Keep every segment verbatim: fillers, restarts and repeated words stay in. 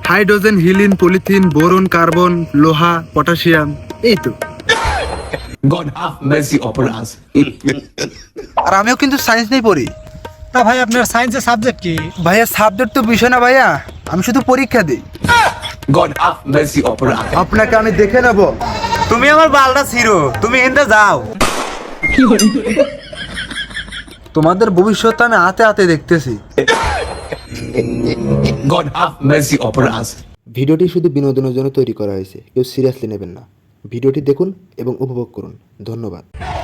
Hydrogen, helium, polythene, boron, carbon, লোহা, potassium, এই তো। God have mercy upon us. আর আমিও কিন্তু সায়েন্স নিয়ে পড়ি। তা ভাই আপনার সায়েন্সের সাবজেক্ট কি? ভাইয়া সাবজেক্ট তো বিষয় না ভাইয়া, আমি শুধু পরীক্ষা দিই। God have mercy upon us. আপনাকে আমি দেখে নেব। তুমি আমার বালটা ছিড়ো, তুমি হিন্দে যাও। তোমাদের ভবিষ্যৎ আমি হাতে হাতে দেখতেছি। God have mercy upon us. ভিডিওটি শুধু বিনোদনের জন্য তৈরি করা হয়েছে, কেউ সিরিয়াসলি নেবেন না। ভিডিওটি দেখুন এবং উপভোগ করুন। ধন্যবাদ।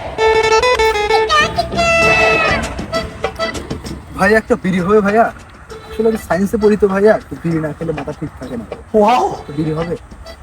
ভাই একটা বিড়ি হবে ভাইয়া? আসলে আমি সায়েন্সে পড়ি তো ভাইয়া, তো বিড়ি না খেলে মাথা ঠিক থাকে না। ওয়াও, বিড়ি হবে?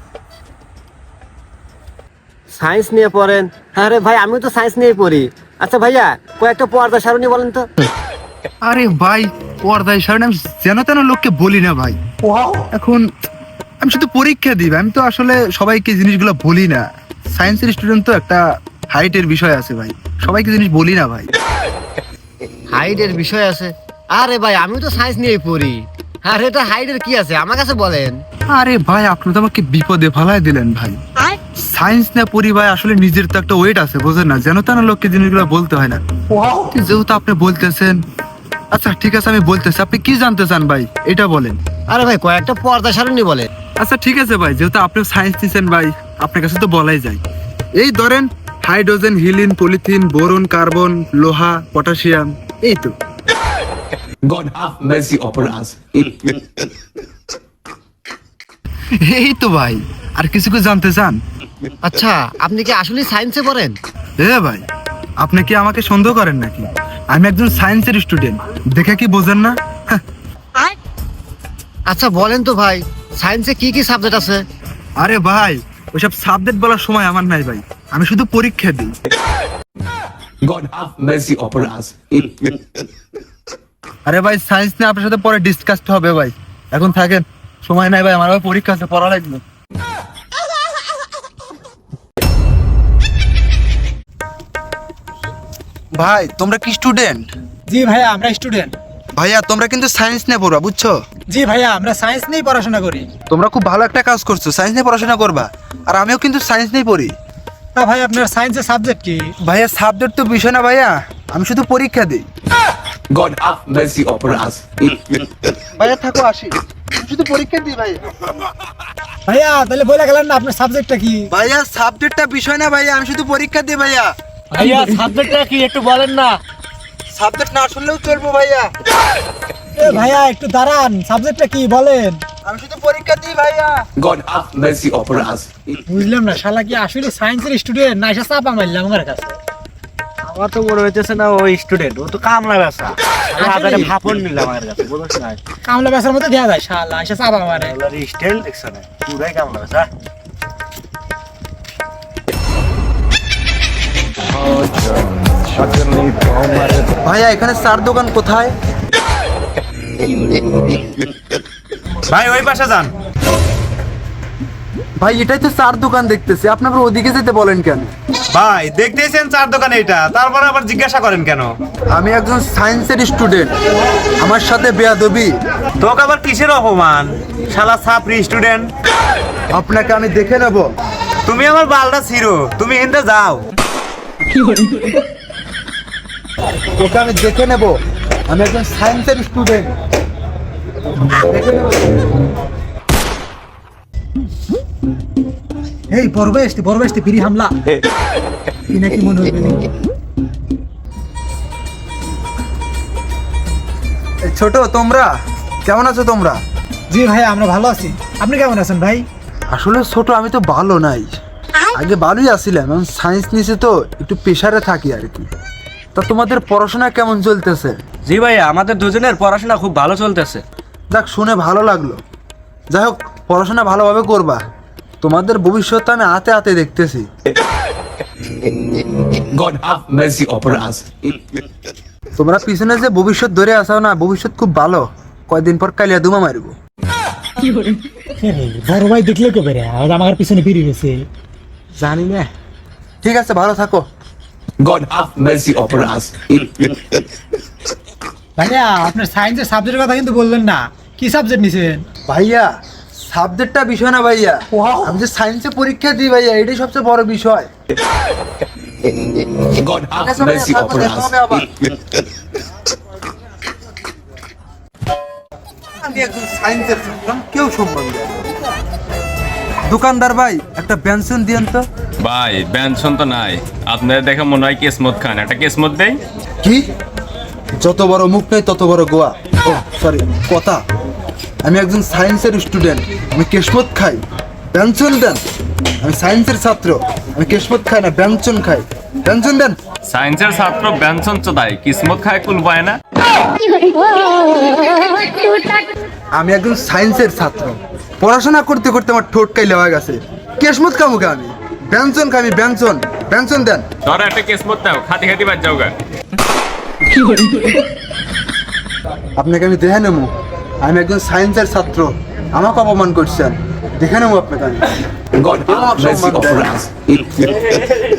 সায়েন্স নিয়ে পড়েন? আরে ভাই আমিও তো সায়েন্স নিয়ে পড়ি। আচ্ছা ভাইয়া কয়েকটা পর্দা সারণী বলেন তো। আরে ভাই পর্দায় সারণী আমি যেন তেন লোককে বলি না ভাই। এখন আমি শুধু পরীক্ষা দিই, আমি তো আসলে সবাইকে জিনিসগুলো বলি না। সায়েন্সের স্টুডেন্ট তো একটা হাইটের বিষয় আছে ভাই, সবাইকে জিনিস বলি না ভাই। হাইটের বিষয় আছে? আরে ভাই আমিও তো সায়েন্স নিয়েই পড়ি। আরে এটা হাইটের কি আছে আমার কাছে বলেন। আরে ভাই আপনি তো আমাকে বিপদে ফেলায় দিলেন ভাই। সায়েন্স না পড়ি ভাই, আসলে নিজের তো একটা ওয়েট আছে, বোঝেন না? যেন তেন লোককে জিনিসগুলো বলতে হয় না। যেহেতু আপনি বলতেছেন, আচ্ছা ঠিক আছে আমি বলতেছি, আপনি কি জানতে চান ভাই এটা বলেন। আরে ভাই কয়েকটা পর্দা সারণী বলেন। আচ্ছা ঠিক আছে ভাই, যেহেতু আপনি সায়েন্স নিছেন ভাই, আপনার কাছে তো বলাই যায়। এই ধরেন hydrogen, helium, polythene, boron, carbon, লোহা, পটাশিয়াম, এই তো। God have mercy upon us. এই তো ভাই, আর কিছু কি জানতে চান? আচ্ছা আপনি কি আসলে সায়েন্সে পড়েন? এ ভাই আপনি কি আমাকে সন্দেহ করেন নাকি? আমি একজন সায়েন্সের স্টুডেন্ট, দেখে কি বোঝেন না? আচ্ছা বলেন তো ভাই সায়েন্সে কি কি সাবজেক্ট আছে? আরে ভাই ওইসব সাবজেক্ট বলার সময় আমার নাই ভাই, আমি শুধু পরীক্ষা দিই। God have mercy upon us. আরে ভাই সায়েন্স নিয়ে আপনার সাথে পরে ডিসকাস হবে ভাই, এখন থাকেন, সময় নাই ভাই, আমার আবার পরীক্ষা আছে, পড়া লাগবে। ভাই তোমরা কি স্টুডেন্ট? জি ভাইয়া আমরা স্টুডেন্ট। ভাইয়া তোমরা কিন্তু সায়েন্স নিয়ে পড়বা, বুঝছো? জি ভাইয়া আমরা সায়েন্স নিয়েই পড়াশোনা করি। তোমরা খুব ভালো একটা কাজ করছো, সায়েন্স নিয়ে পড়াশোনা করবা। আর আমিও কিন্তু সায়েন্স নিয়ে পড়ি। তা ভাই আপনার সায়েন্সের সাবজেক্ট কি? ভাইয়া সাবজেক্ট তো বিষয় না ভাইয়া, আমি শুধু পরীক্ষা দিই। God have mercy upon us. ভাইয়া থাকো, আসি, আমি শুধু পরীক্ষা দিই ভাই। ভাইয়া তাহলে বলে গেলেন না আপনার সাবজেক্টটা কি? ভাইয়া সাবজেক্টটা বিষয় না ভাইয়া, আমি শুধু পরীক্ষা দিই ভাইয়া। ভাইয়া সাবজেক্টটা কি একটু বলেন না। সাবজেক্ট না শুনলেও চলবো ভাইয়া। এ ভাইয়া একটু দাঁড়ান, সাবজেক্টটা কি বলেন? আমি শুধু পরীক্ষা দিই ভাইয়া। God have mercy upon us. বুঝলাম না, শালা কি আসলে সায়েন্সের স্টুডেন্ট না এসে চাপা মারলাম আমার কাছে? আমার তো মনে হইতেছে না ওই স্টুডেন্ট, ও তো কামলা ব্যবসা। আরে ভাপন নিলাম আমার কাছে, বুঝছ না? কামলা বেচার মধ্যে দেয়া যায়, শালা এসে চাপা মারে। ওর স্টাইল দেখছ না, পুরাই কামলা ব্যবসা। ভাইয়া এখানে চার দোকান কোথায়? ভাই ওই পাশে যান। ভাই এটাই তো চার দোকান দেখতেছি, আপনারা ওদিকে যেতে বলেন কেন? ভাই দেখতেছেন চার দোকানে এটা, তারপর আবার জিজ্ঞাসা করেন কেন? আমি একজন সায়েন্সের স্টুডেন্ট, আমার সাথে বেয়াদবি। তোকে আবার কিসের অপমান? শালা ছাপরি স্টুডেন্ট। আপনাকে আমি দেখে নেব। তুমি আমার বালটা ছিড়ো, তুমি হিন্দে যাও। তোকে আমি দেখে নেব, আমি একজন সায়েন্সের স্টুডেন্ট। এই বরবেশটি বরবেশটি ফিরি হামলা কি নাকি মনে হইবে নি? এই ছোট, তোমরা কেমন আছো তোমরা? জি ভাই আমরা ভালো আছি, আপনি কেমন আছেন ভাই? আসলে ছোট আমি তো ভালো নাই, আগে ভালোই আছিলাম, এখন সায়েন্স নিয়েছে তো একটু প্রেশারে থাকি আর কি। তা তোমাদের পড়াশোনা কেমন চলতেছে? জি ভাইয়া আমাদের দুজনের পড়াশোনা খুব ভালো চলতেছে। যাক শুনে ভালো লাগলো। যাই হোক পড়াশোনা ভালোভাবে করবা, তোমাদের ভবিষ্যৎ আমি হাতে হাতে দেখতেছি। God have mercy upon us. তোমরা পিছনে যে ভবিষ্যৎ ধরে আসাও না, ভবিষ্যৎ খুব ভালো, কয়দিন পর কালিয়া দুমা মারবো। বড় ভাই দেখলে কবে রে আমার পিছনে ফিরে গেছে? জানি না, ঠিক আছে ভালো থাকো। God have mercy upon us. ভাইয়া আপনার সায়েন্সের সাবজেক্টের কথা কিন্তু বললেন না, কি সাবজেক্ট নিছেন? ভাইয়া সাবজেক্টটা বিষয় না ভাইয়া, আমি যে সায়েন্সে পরীক্ষা দিই ভাইয়া, এটাই সবচেয়ে বড় বিষয়। God have mercy upon us. আমি একজন সায়েন্সের ছাত্র, কেউ সম্মান দেয় না। দোকানদার ভাই একটা পেনশন দিয়েন তো। ভাই ব্যঞ্জন তো নাই, আপনাদের দেখে মনে হয় কিসমত খান, একটা কিসমত দেই। কি? যত বড় মুখ নেই তত বড় গোয়া। ও সরি, কথা। আমি একজন সায়েন্সের স্টুডেন্ট, আমি কেশমত খাই, পেনশন দেন। আমি সায়েন্সের ছাত্র, আমি কেশমত খাই না, ব্যঞ্জন খাই, পেনশন দেন। সায়েন্সের ছাত্র ব্যঞ্জন চোদাই, কিসমত খায় কুল পায় না। আমি একজন সায়েন্সের ছাত্র, পড়াশোনা করতে করতে আমার ঠোঁট কাইলে হয়ে গেছে। কেশমত খামুকে আমি, ব্যঞ্জন খাই, আমি ব্যঞ্জন, ব্যঞ্জন দেন। ধরো একটা কিসমত দাও, খাতি খাতি বাদ যাও গা। আপনাকে আমি দেখে নেবো, আমি একজন সায়েন্সের ছাত্র, আমাকে অপমান করছেন, দেখে নেবো আপনাকে আমি। God have mercy upon us.